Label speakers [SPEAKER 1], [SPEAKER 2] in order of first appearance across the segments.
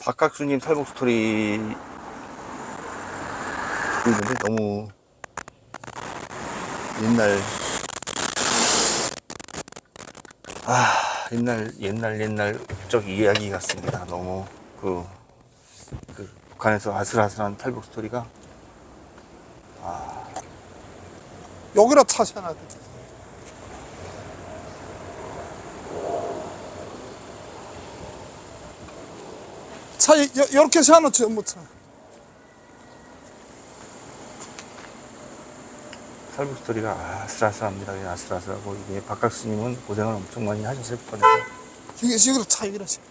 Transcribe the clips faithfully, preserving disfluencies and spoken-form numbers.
[SPEAKER 1] 박학수님 탈북 스토리 듣고 있는데 너무 옛날 아 옛날 옛날 옛날 적 이야기 같습니다. 너무 그, 그 북한에서 아슬아슬한 탈북 스토리가 아
[SPEAKER 2] 여기라 차셔야 돼. 차 이렇게 세워놓지 뭐 차.
[SPEAKER 1] 탈북 스토리가 아슬아슬합니다. 그냥 아슬아슬하고 이게 박학수님은 고생을 엄청 많이 하셨을 거예요.
[SPEAKER 2] 이게 여기로 차 여기라 차.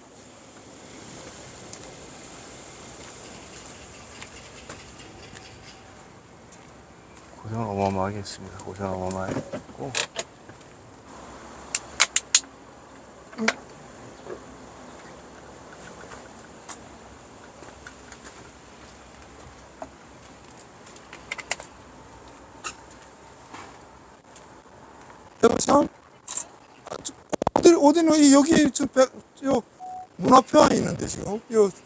[SPEAKER 1] 고생을 어마어마하게 했습니다. 고생을 어마어마하게 했고
[SPEAKER 2] 응. 여보세요? 어디 어디는 여기 저요 문 앞에 와 있는데 지금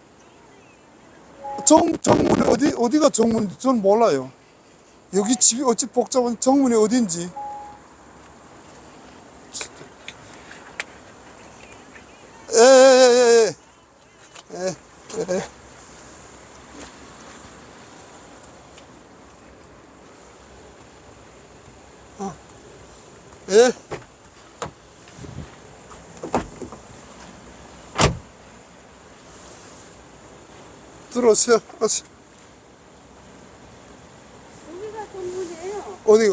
[SPEAKER 2] 요정 정문이 어디 어디가 정문인지 저는 몰라요. 여기 집이 어찌 복잡한 정문이 어딘지. 에에에에 에에 어. 예. 들어오세요. 어서.
[SPEAKER 3] 여기가 정문이에요.
[SPEAKER 2] 어디요?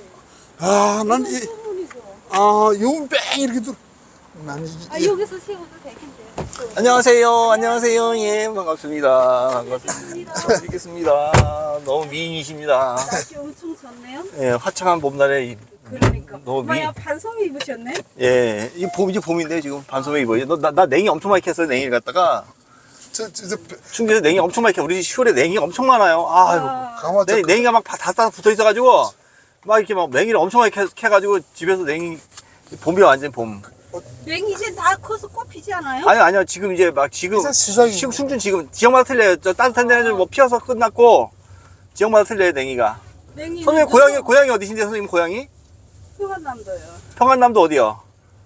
[SPEAKER 2] 아, 난 이,
[SPEAKER 3] 정문이죠.
[SPEAKER 2] 아, 요뺑 이렇게 들어. 난 이,
[SPEAKER 3] 아
[SPEAKER 2] 이,
[SPEAKER 3] 여기서 세워도 되겠네요.
[SPEAKER 1] 안녕하세요. 안녕하세요. 예, 반갑습니다.
[SPEAKER 3] 반갑습니다.
[SPEAKER 1] 반갑습니다. 뵙겠습니다. 너무 미인이십니다.
[SPEAKER 3] 날씨 엄청 좋네요.
[SPEAKER 1] 예, 화창한 봄날에 이-
[SPEAKER 3] 그러니까.
[SPEAKER 1] 너무 미,
[SPEAKER 3] 엄마야 반성이 입으셨네.
[SPEAKER 1] 예, 이 봄이지 봄인데 지금 반소매 입어요. 너, 나, 나 냉이 엄청 많이 캤어요. 냉이를 갖다가
[SPEAKER 2] 저, 저, 저,
[SPEAKER 1] 충주에서 냉이 엄청 많이 캐. 우리 시골에 냉이가 엄청 많아요. 아유,
[SPEAKER 2] 가마, 저,
[SPEAKER 1] 냉, 냉이가 막 다 다 붙어 있어가지고 막 이렇게 막 냉이를 엄청 많이 캐, 캐가지고 집에서 냉이 봄이 완전 봄.
[SPEAKER 3] 냉이 이제 다 커서 꽃피지 않아요?
[SPEAKER 1] 아니 아니요 지금 이제 막 지금
[SPEAKER 2] 이제 시작이고.
[SPEAKER 1] 지금 충준 지금 지역마다 틀려요. 저 따뜻한 데는 뭐 피어서 끝났고 지역마다 틀려요 냉이가.
[SPEAKER 3] 냉이.
[SPEAKER 1] 선생님 고향이 고향이 어디신데 선생님 고향이?
[SPEAKER 3] 평안남도요.
[SPEAKER 1] 평안남도 어디요?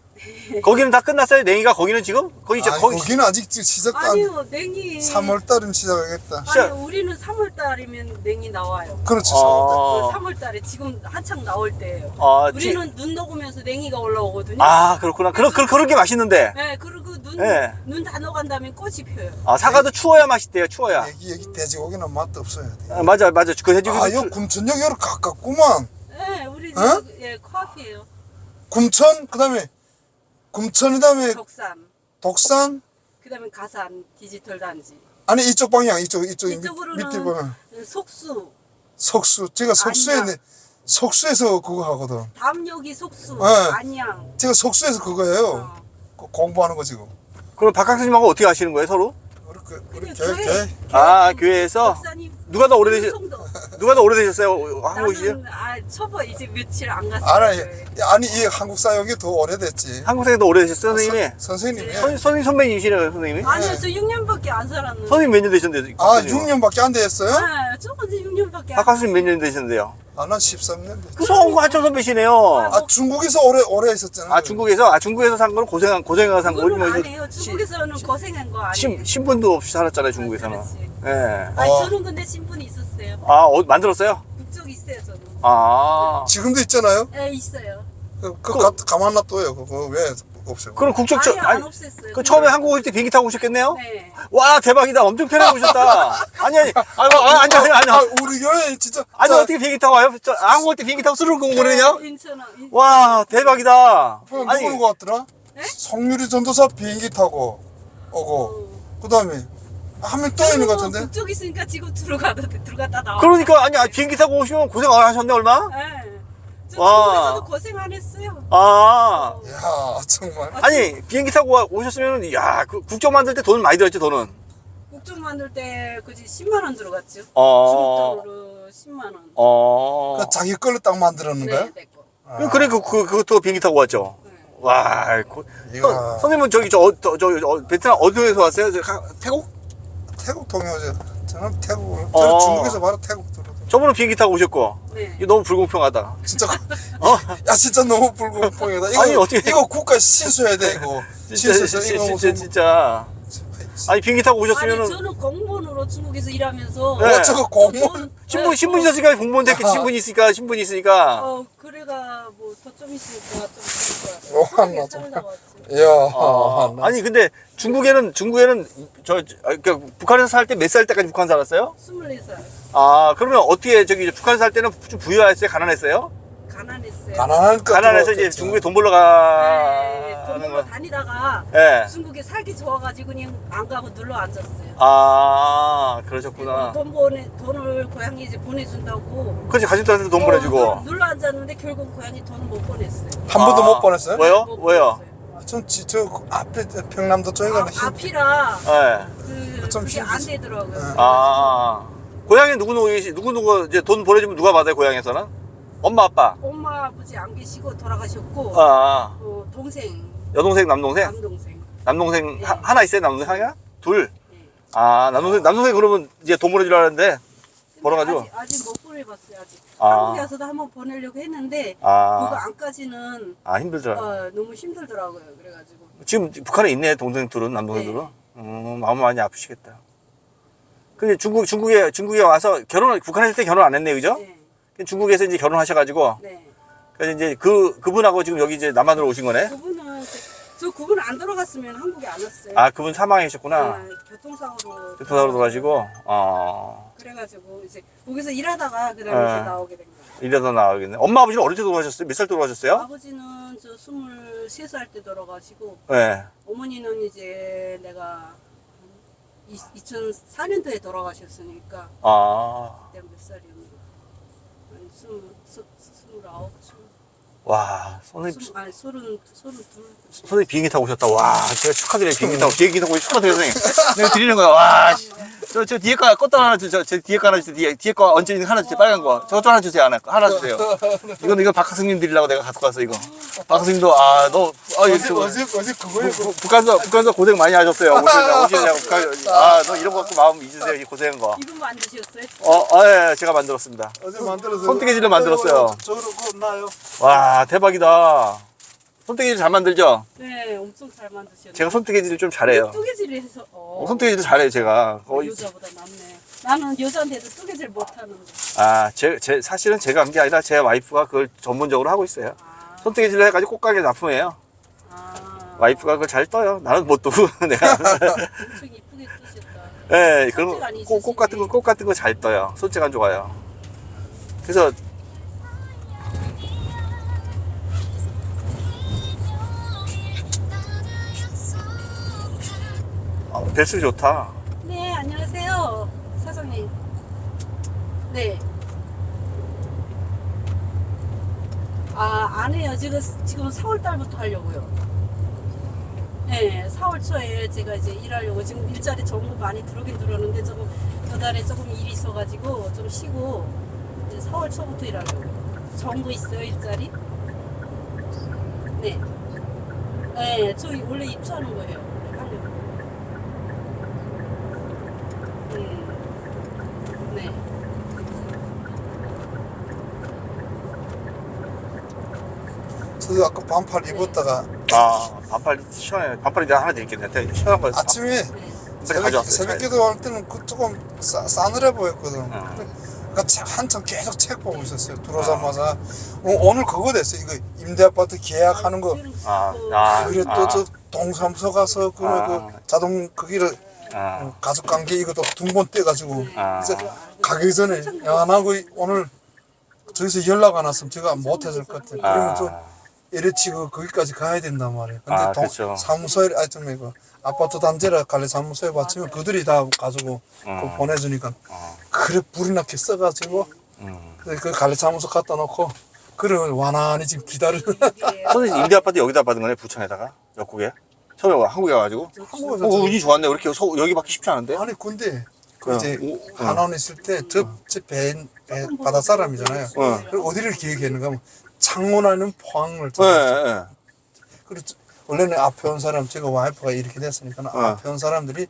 [SPEAKER 1] 거기는 다 끝났어요 냉이가 거기는 지금 거기 이제
[SPEAKER 2] 아,
[SPEAKER 1] 거기
[SPEAKER 2] 거기는 아직 지- 시작도 안.
[SPEAKER 3] 아니요 냉이.
[SPEAKER 2] 삼월달이면 시작하겠다.
[SPEAKER 1] 시작.
[SPEAKER 3] 아니 우리는 삼월달이면 냉이 나와요.
[SPEAKER 2] 그렇지, 삼월달.
[SPEAKER 1] 아,
[SPEAKER 3] 삼월달에 지금 한창 나올 때예요.
[SPEAKER 1] 아, 지,
[SPEAKER 3] 우리는 눈 녹으면서 냉이가 올라오거든요.
[SPEAKER 1] 아 그렇구나. 그런 그런 그런 게 맛있는데.
[SPEAKER 3] 네, 그리고 눈,
[SPEAKER 1] 네.
[SPEAKER 3] 눈 다 녹은 다음에 꽃이 펴요.
[SPEAKER 1] 아 사과도 추워야 맛있대요. 추워야.
[SPEAKER 2] 여기, 여기 돼지고기는 맛도 없어요.
[SPEAKER 1] 아, 맞아 맞아. 그 해주기.
[SPEAKER 2] 아, 요 금천역 여로 가깝구만.
[SPEAKER 3] 네, 우리 집,
[SPEAKER 2] 어?
[SPEAKER 3] 예, 코앞이에요.
[SPEAKER 2] 금천, 그 다음에, 금천, 그 다음에
[SPEAKER 3] 덕산,
[SPEAKER 2] 독산,
[SPEAKER 3] 그 다음에 가산, 디지털 단지.
[SPEAKER 2] 아니, 이쪽 방향, 이쪽, 이쪽, 밑,
[SPEAKER 3] 이쪽으로는
[SPEAKER 2] 밑에 보면.
[SPEAKER 3] 속수,
[SPEAKER 2] 석수. 제가 석수에,
[SPEAKER 3] 안양.
[SPEAKER 2] 내- 석수에서 그거 하거든.
[SPEAKER 3] 담역이 속수,
[SPEAKER 2] 네.
[SPEAKER 3] 안양.
[SPEAKER 2] 제가 석수에서 그거예요.
[SPEAKER 3] 어.
[SPEAKER 2] 그 공부하는 거 지금.
[SPEAKER 1] 그럼 박학수님하고 어떻게 하시는 거예요 서로?
[SPEAKER 2] 우리, 그, 우리
[SPEAKER 3] 그냥
[SPEAKER 2] 교회,
[SPEAKER 3] 교회.
[SPEAKER 2] 교회.
[SPEAKER 1] 아 교회에서
[SPEAKER 3] 박사님.
[SPEAKER 1] 누가 더 오래되셨
[SPEAKER 3] 송도.
[SPEAKER 1] 누가 더 오래되셨어요? 한국이시요?
[SPEAKER 3] 나는 아 초보 이제 며칠 안 갔어요.
[SPEAKER 2] 알아요.
[SPEAKER 3] 교회.
[SPEAKER 2] 아니, 이 한국 사역이 더 오래됐지.
[SPEAKER 1] 한국생이 더 오래되셨어요 선생님이?
[SPEAKER 2] 선, 선생님이.
[SPEAKER 1] 선, 선생님 선배님이시네요 선생님이?
[SPEAKER 3] 아니요, 저 육 년밖에 안 살았는데.
[SPEAKER 1] 선생님 몇 년 되셨는데요?
[SPEAKER 2] 아, 육 년밖에 안 됐어요?
[SPEAKER 3] 네, 저건 이제 육 년밖에 안.
[SPEAKER 1] 박학수님 몇 년 되셨는데요?
[SPEAKER 2] 아, 난 십삼 년 됐지.
[SPEAKER 1] 그 성우 한참 선배시네요.
[SPEAKER 2] 아, 중국에서 오래, 오래 있었잖아.
[SPEAKER 1] 아 중국에서 아 중국에서 산 거는 고생 고생해서 산 거지
[SPEAKER 3] 그거는
[SPEAKER 1] 뭐
[SPEAKER 3] 아니에요. 중국에서는 고생한 거 아니에요.
[SPEAKER 1] 신 신분도 없이 살았잖아요 중국에서는.
[SPEAKER 3] 그렇지.
[SPEAKER 1] 예.
[SPEAKER 3] 아니
[SPEAKER 2] 어.
[SPEAKER 3] 저는 근데 신분이 있었어요.
[SPEAKER 1] 아 어, 만들었어요?
[SPEAKER 3] 국적 있어요 저는.
[SPEAKER 1] 아
[SPEAKER 2] 지금도 있잖아요.
[SPEAKER 3] 네 있어요.
[SPEAKER 2] 그, 그, 가, 가만 놔둬요. 그거 왜 없어요?
[SPEAKER 1] 그럼 국적
[SPEAKER 3] 아니
[SPEAKER 1] 저
[SPEAKER 3] 안
[SPEAKER 1] 아니
[SPEAKER 3] 없앴어요.
[SPEAKER 1] 그 처음에 한국 올 때 비행기 타고 오셨겠네요?
[SPEAKER 3] 네.
[SPEAKER 1] 와 대박이다 엄청 편하게 오셨다. 아니 아니 아니 아니 아니 아니
[SPEAKER 2] 아,
[SPEAKER 1] 아니
[SPEAKER 2] 우리 교회 진짜.
[SPEAKER 1] 아니
[SPEAKER 2] 자,
[SPEAKER 1] 어떻게 비행기 타고 와요? 저 한국 올 때 비행기 타고 수능 공부하느냐?
[SPEAKER 3] 인천은 인-
[SPEAKER 1] 와 대박이다.
[SPEAKER 2] 그럼
[SPEAKER 1] 아니
[SPEAKER 2] 누구 것 같더라?
[SPEAKER 3] 네?
[SPEAKER 2] 성유리 전도사 비행기 타고 오고,
[SPEAKER 3] 어.
[SPEAKER 2] 그 다음에 한 명 또 있는 것 같은데?
[SPEAKER 3] 국적 있으니까 지금 들어가다 들어갔다 나와.
[SPEAKER 1] 그러니까 아니 아니, 비행기 타고 오시면 고생 안 하셨네 얼마?
[SPEAKER 3] 네. 저
[SPEAKER 1] 와.
[SPEAKER 3] 중국에서도 고생 안 했어요.
[SPEAKER 1] 아
[SPEAKER 2] 이야, 정말.
[SPEAKER 1] 아니 비행기 타고 와- 오셨으면 야그 국적 만들 때 돈 많이 들었지 돈은.
[SPEAKER 3] 국적 만들 때 그지 십만 원 들어갔죠.
[SPEAKER 1] 어.
[SPEAKER 3] 중국적으로 십만 원.
[SPEAKER 1] 어.
[SPEAKER 2] 그 자기 걸로 딱 만들었는 거야?
[SPEAKER 3] 네, 내 거.
[SPEAKER 2] 아,
[SPEAKER 1] 그래 그, 그 그것도 비행기 타고 왔죠.
[SPEAKER 3] 네.
[SPEAKER 1] 와. 그,
[SPEAKER 2] 이야.
[SPEAKER 1] 선- 선생님은 저기 저, 저, 저, 저 베트남 어디에서 왔어요? 저, 가- 태국?
[SPEAKER 2] 태국 통해오죠. 저는 태국, 저는
[SPEAKER 1] 어.
[SPEAKER 2] 중국에서 바로 태국 들어오죠.
[SPEAKER 1] 저번에 비행기 타고 오셨고.
[SPEAKER 3] 네.
[SPEAKER 1] 이거 너무 불공평하다.
[SPEAKER 2] 진짜,
[SPEAKER 1] 어?
[SPEAKER 2] 야, 진짜 너무 불공평하다. 이거,
[SPEAKER 1] 아니, 어떻게-
[SPEAKER 2] 이거 국가 신수해야 돼, 이거.
[SPEAKER 1] 진짜,
[SPEAKER 2] 신수해서
[SPEAKER 1] 진짜,
[SPEAKER 2] 이거
[SPEAKER 1] 진짜,
[SPEAKER 2] 무슨.
[SPEAKER 1] 진짜. 아니, 비행기 타고
[SPEAKER 3] 아니
[SPEAKER 1] 오셨으면은.
[SPEAKER 3] 저는 공무원으로 중국에서 일하면서
[SPEAKER 1] 네.
[SPEAKER 2] 어, 저거 공무원.
[SPEAKER 1] 신분,
[SPEAKER 3] 네,
[SPEAKER 1] 신분이
[SPEAKER 3] 저-
[SPEAKER 1] 있었으니까 공무원 됐겠지.
[SPEAKER 2] 아하.
[SPEAKER 1] 신분이 있으니까, 신분이 있으니까.
[SPEAKER 3] 어 그래가 뭐 더 좀 있으니까 좀 있을
[SPEAKER 2] 어,
[SPEAKER 3] 거야.
[SPEAKER 2] 한나
[SPEAKER 3] 살다
[SPEAKER 2] 정말.
[SPEAKER 3] 왔지.
[SPEAKER 2] 이야,
[SPEAKER 1] 아,
[SPEAKER 2] 나
[SPEAKER 1] 아니, 근데 중국에는, 중국에는, 저, 저, 아, 그러니까 북한에서 살 때 몇 살 때까지 북한 살았어요?
[SPEAKER 3] 스물네 살
[SPEAKER 1] 아, 그러면 어떻게, 저기, 북한에서 살 때는 좀 부유했어요? 가난했어요?
[SPEAKER 3] 가난했어요.
[SPEAKER 2] 가난하니까.
[SPEAKER 1] 가난해서 이제
[SPEAKER 2] 들어왔겠죠.
[SPEAKER 1] 중국에 돈 벌러
[SPEAKER 3] 네, 돈
[SPEAKER 1] 가는
[SPEAKER 3] 벌러
[SPEAKER 1] 거.
[SPEAKER 3] 다니다가
[SPEAKER 1] 예.
[SPEAKER 3] 중국에 살기 좋아가지고 그냥 안 가고 눌러 앉았어요.
[SPEAKER 1] 아, 그러셨구나.
[SPEAKER 3] 돈 보내 돈을 고향에 이제 보내준다고.
[SPEAKER 1] 그렇지, 가족들한테 돈
[SPEAKER 3] 어,
[SPEAKER 1] 보내주고.
[SPEAKER 3] 눌러 앉았는데 결국 고향이 돈을 못 보냈어요.
[SPEAKER 2] 한 번도
[SPEAKER 1] 아.
[SPEAKER 2] 못 보냈어요?
[SPEAKER 1] 왜요?
[SPEAKER 3] 못
[SPEAKER 1] 왜요?
[SPEAKER 3] 보냈어요.
[SPEAKER 2] 전, 지- 저, 그 앞에 평남도 쪽에
[SPEAKER 3] 아,
[SPEAKER 2] 가는 힘.
[SPEAKER 3] 앞이라
[SPEAKER 1] 예.
[SPEAKER 3] 그
[SPEAKER 2] 좀
[SPEAKER 3] 그게 안
[SPEAKER 2] 힘들지.
[SPEAKER 3] 되더라고요.
[SPEAKER 2] 네.
[SPEAKER 1] 아, 고향에 누구누구, 계시- 누구누구, 이제 돈 보내주면 누가 받아요, 고향에서는? 엄마, 아빠?
[SPEAKER 3] 엄마 아버지 안 계시고 돌아가셨고
[SPEAKER 1] 아,
[SPEAKER 3] 어, 동생
[SPEAKER 1] 여동생, 남동생?
[SPEAKER 3] 남동생.
[SPEAKER 1] 남동생
[SPEAKER 3] 네.
[SPEAKER 1] 하, 하나 있어요? 남동생 하나? 둘?
[SPEAKER 3] 네.
[SPEAKER 1] 아, 남동생, 남동생 그러면 이제 돈 보내주려 하는데, 벌어가지고?
[SPEAKER 3] 아직, 아직 못 보내봤어요 아직.
[SPEAKER 1] 아.
[SPEAKER 3] 한국에 와서도 한번 보내려고 했는데 그거
[SPEAKER 1] 아,
[SPEAKER 3] 안까지는
[SPEAKER 1] 아, 힘들더라.
[SPEAKER 3] 어, 너무 힘들더라고요. 그래가지고
[SPEAKER 1] 지금 북한에 있네, 동생 둘은, 남동생들은.
[SPEAKER 3] 네.
[SPEAKER 1] 음, 마음 많이 아프시겠다. 근데 중국, 중국에, 중국에 와서 결혼, 북한에 있을 때 결혼 안 했네, 그죠?
[SPEAKER 3] 네,
[SPEAKER 1] 중국에서 이제 결혼하셔가지고,
[SPEAKER 3] 네.
[SPEAKER 1] 그래서 이제 그, 그분하고 지금 여기 이제 남한으로 오신 거네?
[SPEAKER 3] 그분은 저, 저 그분 안 돌아갔으면 한국에 안 왔어요.
[SPEAKER 1] 아, 그분 사망하셨구나.
[SPEAKER 3] 네, 교통사고로.
[SPEAKER 1] 교통사고로 돌아가시고, 어,
[SPEAKER 3] 그래가지고 이제 거기서 일하다가 그다음에
[SPEAKER 1] 네.
[SPEAKER 3] 이제 나오게 된 거예요.
[SPEAKER 1] 이러다 나가겠네. 엄마, 아버지는 어릴 때 돌아가셨어요? 몇 살 때 돌아가셨어요?
[SPEAKER 3] 아버지는 저 스물세 살 때 돌아가시고
[SPEAKER 1] 네.
[SPEAKER 3] 어머니는 이제 내가 이천사 년도에 돌아가셨으니까
[SPEAKER 1] 아,
[SPEAKER 3] 그때 몇 살이었나? 아니 스물 스- 스물아홉, 스물
[SPEAKER 1] 와, 선생님,
[SPEAKER 3] 스물 아니 서른 서른 둘.
[SPEAKER 1] 선생님 비행기 타고 오셨다. 와, 제가 축하드려요. 비행기 타고, 비행기 타고 축하드려요, 선생님. 내가 드리는 거야. 와, 씨. 저, 저 뒤에 거 껐다 하나 주세요. 저 뒤에 거 하나 주세요. 뒤에, 뒤에 거 얹혀 있는 거 하나 주세요. 빨간 거. 저것 좀 하나 주세요. 하나, 하나 주세요. 이건, 이거 박하승님 드리려고 내가 갖고 왔어, 이거. 박하승님도, 아, 너, 아,
[SPEAKER 2] 어제,
[SPEAKER 1] 이거.
[SPEAKER 2] 어제, 어제 그거에
[SPEAKER 1] 부- 북한서, 북한서 고생 많이 하셨어요. 오시느냐고, 오시느냐고. 북한, 아, 너 이런 거 갖고 마음 잊으세요. 이 고생한 거.
[SPEAKER 3] 이분 만드셨어요?
[SPEAKER 1] 어, 어, 예, 예, 제가 만들었습니다.
[SPEAKER 2] 어제 만들어서.
[SPEAKER 1] 손뜨개질로 만들었어요.
[SPEAKER 2] 저로 그거 나요.
[SPEAKER 1] 와, 대박이다. 손뜨개질 잘 만들죠?
[SPEAKER 3] 네, 엄청 잘 만드셨네.
[SPEAKER 1] 제가 손뜨개질을 좀 잘해요.
[SPEAKER 3] 뜨개질을 해서 어,
[SPEAKER 1] 어, 손뜨개질 잘해요, 제가. 거의.
[SPEAKER 3] 여자보다 낫네. 나는 여자인데도 뜨개질 못하는데.
[SPEAKER 1] 아, 제, 제, 사실은 제가 한 게 아니라 제 와이프가 그걸 전문적으로 하고 있어요.
[SPEAKER 3] 아,
[SPEAKER 1] 손뜨개질을 해가지고 꽃가게 납품해요.
[SPEAKER 3] 아,
[SPEAKER 1] 와이프가 그걸 잘 떠요. 나는 못 뜨고, 내가.
[SPEAKER 3] 엄청 이쁘게 뜨셨다.
[SPEAKER 1] 예, 그런
[SPEAKER 3] 손재가 안
[SPEAKER 1] 거, 꽃, 꽃 같은 거,
[SPEAKER 3] 있으시네.
[SPEAKER 1] 꽃 같은 거 잘 떠요. 손재가 좋아요. 그래서, 아, 벨스 좋다.
[SPEAKER 3] 네, 안녕하세요, 사장님. 네. 아, 안 해요. 지금 지금 사월 달부터 하려고요. 네, 사월 초에 제가 이제 일하려고 지금 일자리 정보 많이 들어오긴 들었는데 조금 그달에 조금 일이 있어가지고 좀 쉬고 이제 사월 초부터 일하려고. 정보 있어요, 일자리? 네. 네, 저 원래 입주하는 거예요. 하려고. 음, 네.
[SPEAKER 2] 저도 아까 반팔 입었다가
[SPEAKER 1] 아, 반팔 시원해. 반팔 이제 하나 드릴게요. 내가 시원한 거.
[SPEAKER 2] 아침에
[SPEAKER 3] 네.
[SPEAKER 1] 반팔
[SPEAKER 2] 새벽,
[SPEAKER 1] 가져왔어요.
[SPEAKER 2] 새벽
[SPEAKER 1] 차에.
[SPEAKER 2] 기도할 때는 그 조금 싸, 싸늘해 보였거든.
[SPEAKER 1] 어.
[SPEAKER 2] 그러니까 차- 한참 계속 책 보고 있었어요. 들어오자마자 어, 오늘 그거 됐어요. 이거 임대아파트 계약하는 거.
[SPEAKER 1] 아, 아.
[SPEAKER 2] 그래 또 저 동사무소 가서 그,
[SPEAKER 1] 아.
[SPEAKER 2] 그 자동 거기를
[SPEAKER 1] 아,
[SPEAKER 2] 가족관계 이것도 두 번 떼가지고
[SPEAKER 1] 아.
[SPEAKER 2] 그래서 가기 전에 야 나 그 오늘 저기서 연락 안 왔으면 제가 못했을 것 같아. 그러면 또
[SPEAKER 1] 아,
[SPEAKER 2] 에레치 그 거기까지 가야 된단 말이에요. 근데
[SPEAKER 1] 아,
[SPEAKER 2] 동,
[SPEAKER 1] 그렇죠.
[SPEAKER 2] 사무소에 아좀 이거 아파트 단지라 관리 사무소에 받치면 그들이 다 가지고
[SPEAKER 1] 음.
[SPEAKER 2] 그거 보내주니까
[SPEAKER 1] 어,
[SPEAKER 2] 그래 불이 나게 써가지고
[SPEAKER 1] 음.
[SPEAKER 2] 그, 그 관리 사무소 갖다 놓고 그래 완안히 지금 기다리는.
[SPEAKER 1] 선생님 임대 아파트 여기다 받은 거네, 부천에다가 역국에. 처음에 와, 한국에 와가지고.
[SPEAKER 2] 한국에서
[SPEAKER 1] 어,
[SPEAKER 2] 저-
[SPEAKER 1] 운이 좋았네. 이렇게 서, 여기 받기 쉽지 않은데.
[SPEAKER 2] 아니 근데 그
[SPEAKER 1] 어,
[SPEAKER 2] 이제
[SPEAKER 1] 오, 어.
[SPEAKER 2] 한원 있을 때저배 배, 바다 사람이잖아요.
[SPEAKER 1] 어.
[SPEAKER 2] 그리고 어디를 기획했는가 하면 창원하는 포항을
[SPEAKER 1] 예,
[SPEAKER 2] 찾았어요.
[SPEAKER 1] 예.
[SPEAKER 2] 그리고 저- 원래는 앞에 온 사람 제가 와이프가 이렇게 됐으니까
[SPEAKER 1] 어.
[SPEAKER 2] 앞에 온 사람들이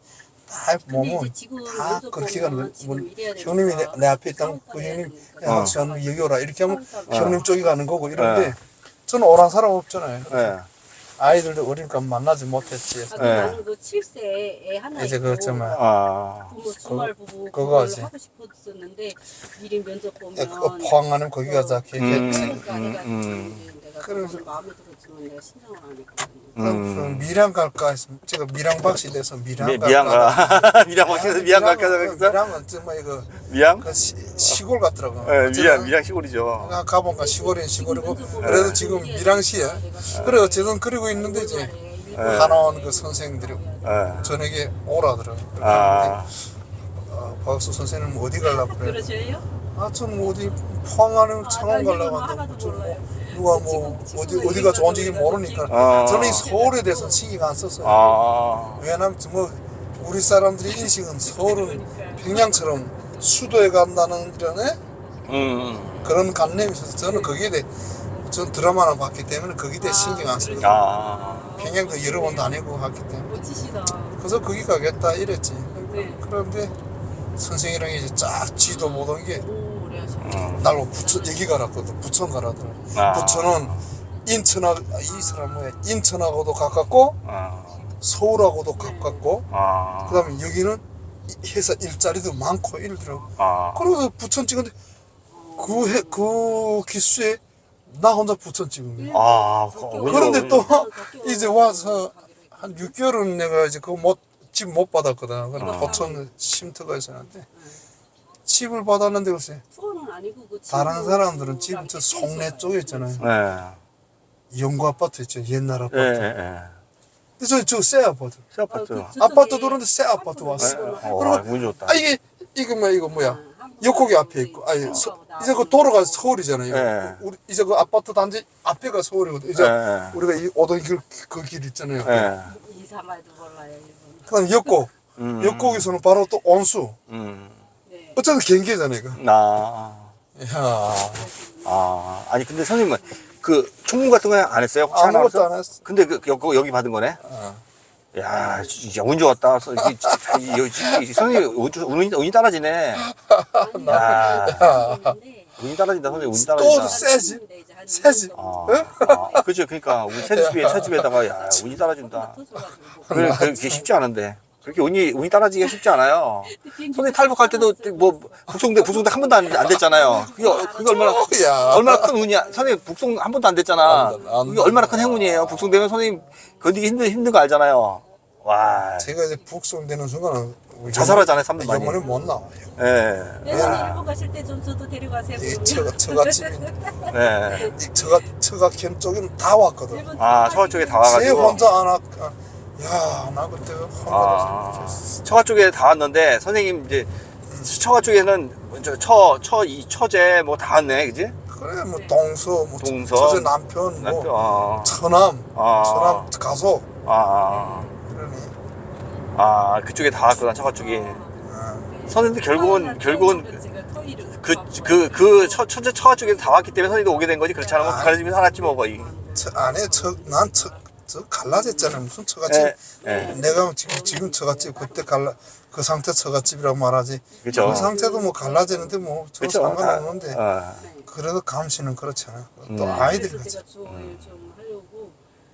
[SPEAKER 2] 다
[SPEAKER 3] 근데
[SPEAKER 2] 몸은
[SPEAKER 3] 이제 지금
[SPEAKER 2] 다
[SPEAKER 3] 면접
[SPEAKER 2] 그렇게
[SPEAKER 3] 보면
[SPEAKER 2] 가는 거.
[SPEAKER 3] 지금
[SPEAKER 2] 뭐
[SPEAKER 3] 이래야 되니까
[SPEAKER 2] 형님이 내, 내 앞에 있다면 그
[SPEAKER 3] 사업가 해야
[SPEAKER 2] 형님
[SPEAKER 3] 되니까.
[SPEAKER 2] 야 박수환 여기 오라 이렇게 하면
[SPEAKER 3] 사업가
[SPEAKER 2] 형님
[SPEAKER 3] 해야
[SPEAKER 2] 쪽이 가는 거고 이런데
[SPEAKER 1] 네.
[SPEAKER 2] 저는 오란 사람 없잖아요.
[SPEAKER 1] 예.
[SPEAKER 2] 아이들도 어리니까 만나지 못했지.
[SPEAKER 3] 아,
[SPEAKER 1] 네.
[SPEAKER 3] 나는 그 칠 세 애 하나
[SPEAKER 2] 이제
[SPEAKER 3] 있고
[SPEAKER 2] 그 정말
[SPEAKER 1] 아.
[SPEAKER 3] 부모 주말 부부
[SPEAKER 2] 그거
[SPEAKER 3] 그걸
[SPEAKER 2] 하지.
[SPEAKER 3] 하고 싶었었는데 미리 면접 보면
[SPEAKER 2] 야, 그거 포항하는 거기 가자 걔
[SPEAKER 1] 음.
[SPEAKER 2] 했지.
[SPEAKER 3] 그러니까
[SPEAKER 1] 음,
[SPEAKER 3] 해가지고
[SPEAKER 1] 음.
[SPEAKER 3] 이제 내가
[SPEAKER 2] 그래서-
[SPEAKER 3] 그거는 마음에 들었지만 내가 신청을 안 했거든요.
[SPEAKER 1] 음.
[SPEAKER 2] 그 미랑 갈까 했으면 제가 미랑 박씨 돼서 미랑
[SPEAKER 1] 미,
[SPEAKER 2] 갈까.
[SPEAKER 1] 미양가. 미양 막혀서 미양 갈까
[SPEAKER 2] 미랑은-
[SPEAKER 1] 그래서
[SPEAKER 2] 미랑은 정말 이거
[SPEAKER 1] 미양?
[SPEAKER 2] 그 시, 시골 같더라고.
[SPEAKER 1] 예,
[SPEAKER 2] 어쨌든
[SPEAKER 1] 미양 미양 시골이죠.
[SPEAKER 2] 내가 가보니까 시골인 시골이고
[SPEAKER 3] 지금
[SPEAKER 2] 그래도
[SPEAKER 3] 면접
[SPEAKER 2] 지금
[SPEAKER 3] 보면
[SPEAKER 2] 미랑시에
[SPEAKER 3] 내가
[SPEAKER 2] 그래 어쨌든 그러고 있는데 이제
[SPEAKER 1] 예.
[SPEAKER 2] 한원 그 선생님들이
[SPEAKER 1] 예.
[SPEAKER 2] 저녁에 오라더라고.
[SPEAKER 1] 아.
[SPEAKER 2] 어, 박수 선생님 어디 가려고 그래?
[SPEAKER 3] 그러셔요?
[SPEAKER 2] 아, 전 어디 포항하는
[SPEAKER 3] 아,
[SPEAKER 2] 창원
[SPEAKER 3] 나
[SPEAKER 2] 가려고
[SPEAKER 3] 이건
[SPEAKER 2] 하는데
[SPEAKER 3] 하나도
[SPEAKER 2] 좀
[SPEAKER 3] 몰라요.
[SPEAKER 2] 누가 뭐
[SPEAKER 3] 지금-
[SPEAKER 2] 어디
[SPEAKER 3] 지금
[SPEAKER 2] 어디가 좋은지
[SPEAKER 3] 얘기가
[SPEAKER 2] 모르니까
[SPEAKER 1] 아.
[SPEAKER 2] 저는 이 서울에 대해서 신경 안 썼어요.
[SPEAKER 1] 아.
[SPEAKER 2] 왜냐면 뭐 우리 사람들이 인식은 서울은 평양처럼 수도에 간다는 이런 애?
[SPEAKER 1] 음.
[SPEAKER 2] 그런 관념이 있어서 저는 거기에 대해 전 드라마나 봤기 때문에 거기에 대해 신경 안 써요.
[SPEAKER 1] 아.
[SPEAKER 2] 평양도 여러 번 다니고 갔기 때문에
[SPEAKER 3] 멋지시다.
[SPEAKER 2] 그래서 거기 가겠다 이랬지.
[SPEAKER 3] 네.
[SPEAKER 2] 그런데 선생이랑 이제 쫙 지도 보던 게
[SPEAKER 3] 오, 오래 하셨네.
[SPEAKER 1] 음.
[SPEAKER 2] 날로 부천 여기 가라거든. 부천 가라더라.
[SPEAKER 1] 아.
[SPEAKER 2] 부천은 인천하 이 사람 뭐야 인천하고도 가깝고
[SPEAKER 1] 아.
[SPEAKER 2] 서울하고도 가깝고
[SPEAKER 1] 아.
[SPEAKER 2] 그다음에 여기는 이- 회사 일자리도 많고 이러더라고.
[SPEAKER 1] 아.
[SPEAKER 2] 그래서 부천 찍은데 그, 해, 그 기수에 나 혼자 부천 찍은 거야.
[SPEAKER 1] 아.
[SPEAKER 2] 그런데 또 이제 와서 한 육 개월은 내가 이제 그거 못, 집 못 받았거든. 그래
[SPEAKER 1] 어.
[SPEAKER 2] 부천 쉼터가 있었는데 집을 받았는데 글쎄
[SPEAKER 3] 투어는 아니고 그
[SPEAKER 2] 다른
[SPEAKER 3] 친구
[SPEAKER 2] 사람들은 집
[SPEAKER 3] 랑
[SPEAKER 2] 저
[SPEAKER 3] 같이
[SPEAKER 2] 송내
[SPEAKER 3] 있어요.
[SPEAKER 2] 쪽에 있잖아요.
[SPEAKER 1] 네.
[SPEAKER 2] 영구 아파트 있죠. 옛날 아파트.
[SPEAKER 1] 예, 예, 예.
[SPEAKER 2] 근데 저, 저 새 아파트.
[SPEAKER 1] 새 아파트.
[SPEAKER 3] 어, 그
[SPEAKER 2] 아파트
[SPEAKER 3] 저쪽에
[SPEAKER 2] 들어오는데 새 아파트 왔어.
[SPEAKER 3] 네.
[SPEAKER 1] 어,
[SPEAKER 2] 그리고
[SPEAKER 1] 운 좋다.
[SPEAKER 2] 아 이게 이거 뭐야 이거 뭐야 역곡이 앞에 있고 아니 서, 이제 그 도로가 서울이잖아요.
[SPEAKER 1] 네.
[SPEAKER 2] 우리 이제 그 아파트 단지 앞에가 서울이거든. 이제
[SPEAKER 1] 네.
[SPEAKER 2] 우리가 이 오던 길 그 길 있잖아요.
[SPEAKER 1] 예.
[SPEAKER 3] 이사말도 몰라요 일본.
[SPEAKER 2] 그다음 역곡
[SPEAKER 1] 음.
[SPEAKER 2] 역곡에서는 바로 또 온수.
[SPEAKER 1] 음.
[SPEAKER 3] 네.
[SPEAKER 2] 어쨌든 경계잖아요. 이거.
[SPEAKER 1] 나.
[SPEAKER 2] 야
[SPEAKER 1] 아. 아니 근데 선생님은 그 총무 같은 거 안 했어요? 혹시 하나
[SPEAKER 2] 아무것도
[SPEAKER 1] 없어?
[SPEAKER 2] 안 했어.
[SPEAKER 1] 근데 그 여기, 여기 받은 거네?
[SPEAKER 2] 어.
[SPEAKER 1] 야, 진짜 운 좋았다. 서- 이게 진짜 이- 이- 이- 선생님 운, 좋- 운이, 운이 따라지네.
[SPEAKER 3] 아니,
[SPEAKER 1] 야.
[SPEAKER 3] 있는데
[SPEAKER 1] 운이 따라진다, 선생님 운이
[SPEAKER 2] 또
[SPEAKER 1] 따라진다.
[SPEAKER 2] 세지?
[SPEAKER 3] 이제 한
[SPEAKER 2] 세지?
[SPEAKER 3] 이 년
[SPEAKER 1] 아,
[SPEAKER 3] 정도
[SPEAKER 1] 아, 그죠. 그러니까 우리 새 집에 새 집에다가 야, 운이 따라진다.
[SPEAKER 3] 터져가지고.
[SPEAKER 1] 그래, 그게 쉽지 않은데. 그렇게 운이 운이 따라지기가 쉽지 않아요. 선생님 탈북할 때도 뭐 북송대 북송대 한 번도 안, 안 됐잖아요. 그게, 어- 그게 얼마나
[SPEAKER 2] 야.
[SPEAKER 1] 얼마나 큰 운이야. 선생님 북송 한 번도 안 됐잖아.
[SPEAKER 2] 안 돼, 안
[SPEAKER 1] 그게
[SPEAKER 2] 돼.
[SPEAKER 1] 얼마나 큰 행운이에요. 북송되면 선생님 견디기 힘든 힘든 거 알잖아요. 와,
[SPEAKER 2] 제가 이제 북송되는 순간은 우리
[SPEAKER 1] 자살하잖아요, 사람들 많이.
[SPEAKER 2] 영원히 못 나와요.
[SPEAKER 1] 예,
[SPEAKER 3] 예전에 일본 가실 때 좀 저도 데려가세요.
[SPEAKER 2] 이
[SPEAKER 3] 그러면.
[SPEAKER 2] 처가 처갓집
[SPEAKER 1] 예.
[SPEAKER 2] 이 처가 처갓캠 쪽에는 다 왔거든.
[SPEAKER 3] 일본
[SPEAKER 1] 아, 처가 쪽에 다
[SPEAKER 2] 제
[SPEAKER 1] 와가지고.
[SPEAKER 2] 혼자 안 왔. 야, 나 그때
[SPEAKER 1] 아,
[SPEAKER 2] 혼자.
[SPEAKER 1] 처가 쪽에 다 왔는데 선생님 이제 처가 쪽에는 저처처이 처제 뭐 다 왔네, 그지?
[SPEAKER 2] 그래 뭐 동서 뭐
[SPEAKER 1] 동서.
[SPEAKER 2] 저제 남편 뭐
[SPEAKER 1] 남편, 아,
[SPEAKER 2] 처남
[SPEAKER 1] 아.
[SPEAKER 2] 처남 가서
[SPEAKER 1] 아,
[SPEAKER 2] 그러니.
[SPEAKER 1] 아, 그쪽에 다 왔구나, 처가 쪽에.
[SPEAKER 2] 어.
[SPEAKER 1] 선생님도 결국은 결국은
[SPEAKER 3] 제가 토이를
[SPEAKER 1] 그그그 처제 처가 쪽에 다 왔기 때문에 선생님도 오게 된 거지. 그렇지 않으면 그 집에 살았지 뭐 거의.
[SPEAKER 2] 저 안에 저난저 저 갈라졌잖아 무슨 처갓집.
[SPEAKER 1] 예, 예.
[SPEAKER 2] 내가 지금 지금 처갓집 그때 갈라 그 상태 처갓집이라고 말하지.
[SPEAKER 1] 그죠.
[SPEAKER 2] 그 상태도 뭐 갈라지는데 뭐저
[SPEAKER 1] 그쵸.
[SPEAKER 2] 상관없는데.
[SPEAKER 1] 어.
[SPEAKER 2] 그래도 감시는 그렇잖아. 또
[SPEAKER 1] 음.
[SPEAKER 2] 아이들이
[SPEAKER 3] 그래서
[SPEAKER 2] 같이.
[SPEAKER 3] 제가 조언을 좀 하려고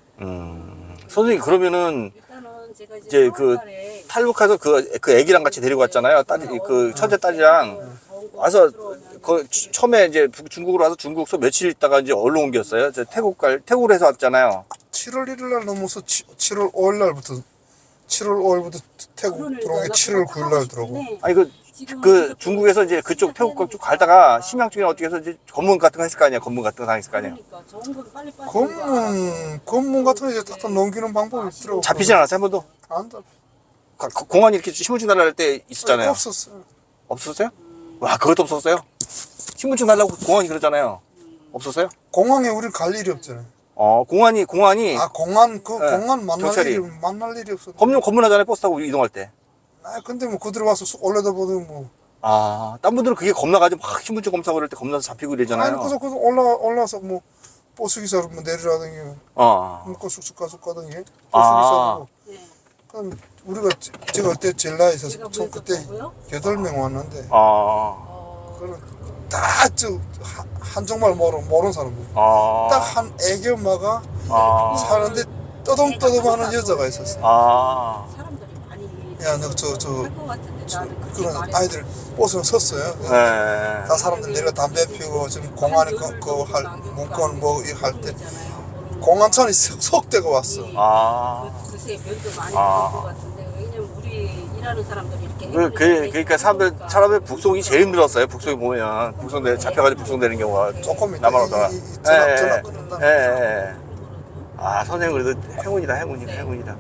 [SPEAKER 1] 음. 선생님 그러면은
[SPEAKER 3] 일단은 제가 이제,
[SPEAKER 1] 이제 그
[SPEAKER 3] 사월달에
[SPEAKER 1] 탈북해서 그 그 애기랑 같이 데리고 왔잖아요. 딸 그 처제 딸이랑 와서 그 처음에 이제 북- 중국으로 와서 중국서 며칠 있다가 이제 얼로 옮겼어요. 저 태국 갈 태국으로 해서 왔잖아요.
[SPEAKER 2] 칠월 일일 날 넘어서 치, 칠월 오일 날부터 칠월 오일부터 태국 들어온 게 칠월 구일 날 들어오고.
[SPEAKER 1] 아니 그 그 중국에서 이제 그쪽 태국 쪽 갈다가 심양 쪽이나 어떻게 해서 이제 검문 같은 거 했을 거 아니야. 검문 같은 거 당했을 거 아니야.
[SPEAKER 3] 그러니까 좋은 건 빨리 빠지는 거
[SPEAKER 2] 검문 검문 같은 거 이제 딱 넘기는 방법이 있더라고.
[SPEAKER 1] 잡히진 않았어요 한 번도.
[SPEAKER 2] 안 잡.
[SPEAKER 1] 가- 가- 공안이 이렇게 신분증 달라 할 때 있었잖아요.
[SPEAKER 2] 없었어.
[SPEAKER 1] 없었어요? 와 그것도 없었어요? 신분증 달라고 공안이 그러잖아요. 없었어요?
[SPEAKER 2] 공항에 우리 갈 일이 없잖아요.
[SPEAKER 1] 어 공안이 공안이
[SPEAKER 2] 아 공항 그
[SPEAKER 1] 네,
[SPEAKER 2] 공항 만날
[SPEAKER 1] 경찰이.
[SPEAKER 2] 일이 만날 일이 없어.
[SPEAKER 1] 검문 검문하잖아요 버스 타고 이동할 때.
[SPEAKER 2] 아 근데 뭐 그들 와서 수- 올려다 보더니 뭐.
[SPEAKER 1] 아, 딴 분들은 그게 겁나가지고 막 신분증 검사 그럴 때 겁나서 잡히고
[SPEAKER 2] 아니
[SPEAKER 1] 이러잖아요.
[SPEAKER 2] 그래서 그래서 올라 올라서 뭐 버스 기사로 뭐 내리라더니
[SPEAKER 1] 어.
[SPEAKER 2] 먹고 쑥쑥 가서 가더니 버스
[SPEAKER 1] 아.
[SPEAKER 2] 기사로.
[SPEAKER 3] 네.
[SPEAKER 2] 그럼 우리가 제- 제가 그때 제일 나이 있어서
[SPEAKER 3] 제가
[SPEAKER 2] 총 그때
[SPEAKER 3] 보였었다고요?
[SPEAKER 2] 여덟 명 왔는데
[SPEAKER 1] 아,
[SPEAKER 3] 어,
[SPEAKER 2] 그런 다저 한정말 모르는 모르는 사람들
[SPEAKER 1] 아,
[SPEAKER 2] 딱 한 애기 엄마가
[SPEAKER 1] 아,
[SPEAKER 2] 사는데 떠듬떠듬하는 여자가 있었어.
[SPEAKER 1] 아,
[SPEAKER 3] 사람들이 많이
[SPEAKER 2] 야, 너 저 저
[SPEAKER 3] 할것 같은데 나는 그렇게
[SPEAKER 2] 그런
[SPEAKER 3] 말해서
[SPEAKER 2] 아이들 버스에 섰어요.
[SPEAKER 1] 네.
[SPEAKER 2] 다 사람들 내려 담배 피고 지금 공안에 그할 문건 뭐 할 때 공안천이 속대가 왔어.
[SPEAKER 1] 아,
[SPEAKER 3] 그- 그새 면도 많이
[SPEAKER 1] 아.
[SPEAKER 3] 들을 것 같은데 왜냐면 우리 일하는 사람들이 이렇게
[SPEAKER 1] 그, 그, 그러니까 사람들, 사람들 북송이 제일 힘들었어요. 북송이 보면. 북송돼, 잡혀가지고 북송되는 경우가.
[SPEAKER 2] 조금 있다.
[SPEAKER 1] 남아오다가.
[SPEAKER 2] 이- 이- 이 전화-
[SPEAKER 1] 예,
[SPEAKER 2] 전화
[SPEAKER 1] 예.
[SPEAKER 2] 끊는다.
[SPEAKER 1] 예, 예. 아, 선생님 그래도 행운이다, 행운이다, 행운이다.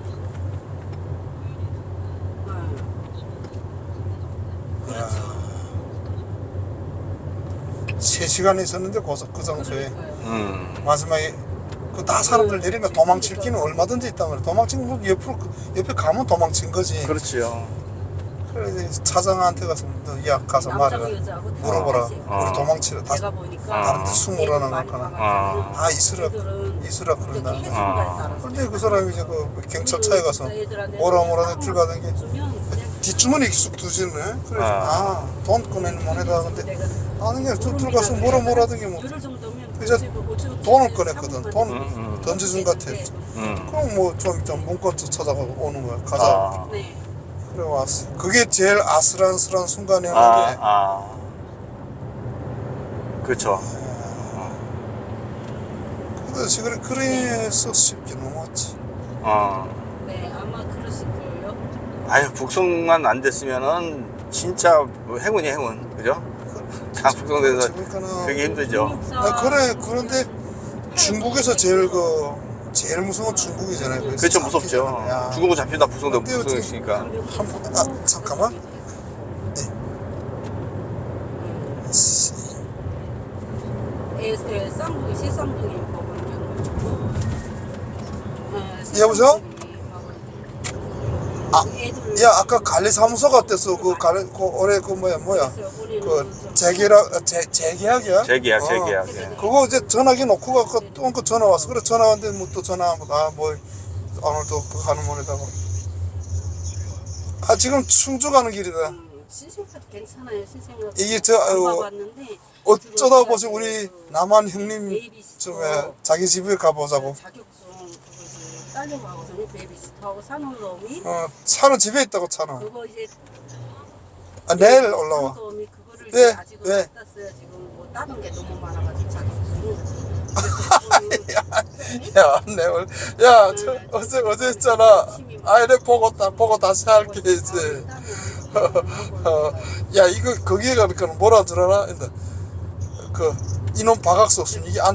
[SPEAKER 2] 세 시간 있었는데 그, 그 장소에
[SPEAKER 1] 음.
[SPEAKER 2] 마지막에 그 다 사람들 내리면 도망칠 기는 얼마든지 있단 말이야. 도망친 거 옆으로 그- 옆에 가면 도망친 거지.
[SPEAKER 1] 그렇지요.
[SPEAKER 2] 그래 이제 차장한테 가서 너 야 가서 말해라. 물어보라.
[SPEAKER 1] 어.
[SPEAKER 2] 우리 도망치라. 다
[SPEAKER 3] 내가 보니까
[SPEAKER 1] 아.
[SPEAKER 2] 다른데 숨으라는 거나.
[SPEAKER 1] 아.
[SPEAKER 2] 아 이수라 이수라 그런다.
[SPEAKER 1] 아.
[SPEAKER 2] 근데 그 사람이 이제 그 경찰차에 가서 뭐라 뭐라 들어가던 게 뒷주머니 쑥 두지네. 그래
[SPEAKER 1] 아.
[SPEAKER 2] 아돈 꺼내는 moneda 근데 아는 게 들- 들어가서 뭐라 뭐라 하던 게뭐 이제
[SPEAKER 3] 이제
[SPEAKER 2] 돈을 꺼냈거든. 돈
[SPEAKER 1] 음, 음.
[SPEAKER 2] 던져준 것 같아.
[SPEAKER 1] 음.
[SPEAKER 2] 그럼 뭐 좀 이따 문건 찾아가고 오는 거야. 가자.
[SPEAKER 1] 아.
[SPEAKER 3] 네.
[SPEAKER 2] 그래 왔어. 그게 제일 아슬아슬한
[SPEAKER 1] 아,
[SPEAKER 2] 순간이었는데
[SPEAKER 1] 아. 그렇죠.
[SPEAKER 2] 그래서 그래 그래서 쉽게 넘어왔지.
[SPEAKER 1] 어.
[SPEAKER 3] 네, 아마 그러실 거예요.
[SPEAKER 1] 아유, 북송만 안 됐으면은 진짜 뭐 행운이 행운. 그죠? 다 북송돼서
[SPEAKER 2] 그러니까는
[SPEAKER 1] 그게 힘들죠.
[SPEAKER 2] 아, 그래 그런데 중국에서 제일 그 제일 무서운 건 중국이잖아요. 그래서
[SPEAKER 1] 그렇죠, 무섭죠.
[SPEAKER 2] 잡히잖아. 야.
[SPEAKER 1] 중국은 잡힌다, 북송되고
[SPEAKER 2] 근데 어떻게-
[SPEAKER 1] 북송했으니까.
[SPEAKER 2] 한, 아 잠깐만. 씨.
[SPEAKER 3] 에, 에, 쌍둥이, 시쌍둥이 먹으면
[SPEAKER 2] 여보세요? 아,
[SPEAKER 3] 애들
[SPEAKER 2] 야 아까 관리사무소 갔댔어. 그 관리 그 올해 그 뭐야 뭐야 그 재계약 재 재계약이야?
[SPEAKER 1] 재계약,
[SPEAKER 2] 어.
[SPEAKER 1] 재계약. 예.
[SPEAKER 2] 그거 이제 전화기 놓고 가고 또 그 전화 왔어. 그래 전화 왔는데 뭐 또 전화 아뭐 오늘도 그 가는 모네다고. 아 지금 충주 가는 길이다.
[SPEAKER 3] 신생카드 괜찮아요. 신생카드
[SPEAKER 2] 이게 저, 아유,
[SPEAKER 3] 봤는데
[SPEAKER 2] 어쩌다 보시 우리 남한 형님 좀 자기 집에 가보자고.
[SPEAKER 3] 자격증 그거 딸려고 하거든요. 베이비시터하고 사는 놈이
[SPEAKER 2] 어 차는 집에 있다고 차는.
[SPEAKER 3] 그거 이제
[SPEAKER 2] 아 내일 올라와.
[SPEAKER 3] 사는 놈이 그거를
[SPEAKER 2] 왜?
[SPEAKER 3] 이제 아직은
[SPEAKER 2] 왜?
[SPEAKER 3] 못 땄어요. 지금 뭐 다른 게 너무 많아가지고 자격증이.
[SPEAKER 2] 야 내일 야 저, 어제 어제 했잖아. 아 이래 보고 다 보고 다시 할게 이제. 어, 야 이거 거기에 가니까 뭐라 줄 알아? 근데 그 이놈 박학수 없으면 이게 안